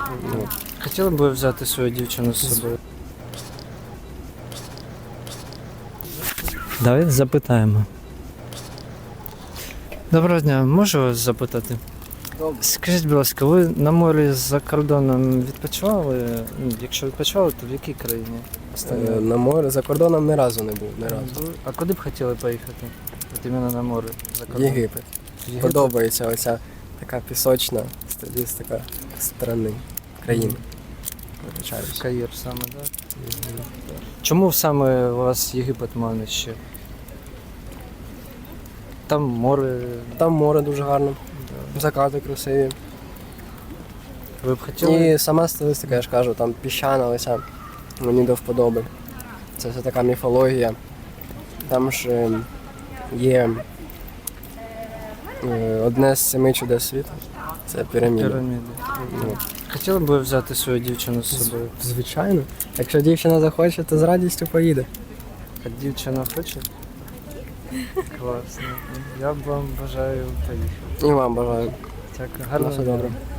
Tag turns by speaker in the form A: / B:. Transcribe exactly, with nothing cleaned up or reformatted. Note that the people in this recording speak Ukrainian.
A: Ну,
B: Хотіли б ви взяти свою дівчину з собою? Давайте запитаємо. Доброго дня, можу вас запитати?
A: Добре.
B: Скажіть, будь ласка, ви на морі за кордоном відпочивали? Ну, якщо відпочивали, то в якій країні?
A: е,
B: Останнє?
A: на море за кордоном ні разу не був, ні разу.
B: А куди б хотіли поїхати? От іменно на море за кордон?
A: Єгипет.
B: Єгипет?
A: Подобається оця така пісочна стилістика страни, країни. Вибачаюсь.
B: Каїр саме, так? Чому саме у вас Єгипет мане ще? Там море.
A: Там море дуже гарно, закати красиві.
B: Ви б хотіли?
A: І сама стилістика, я ж кажу, там піщана оця, мені до вподоби. Це все така міфологія. Там ж е, є е, одне з семи чудес світу. Це піраміда.
B: Піраміди.
A: Ну,
B: Хотіли б ви взяти свою дівчину з собою?
A: звичайно. Якщо дівчина захоче, то з радістю поїде.
B: А дівчина хоче? Класно. Я б вам бажаю поїхати.
A: І вам бажаю.
B: Дякую.
A: На
B: Гарного
A: все
B: дня.
A: добре.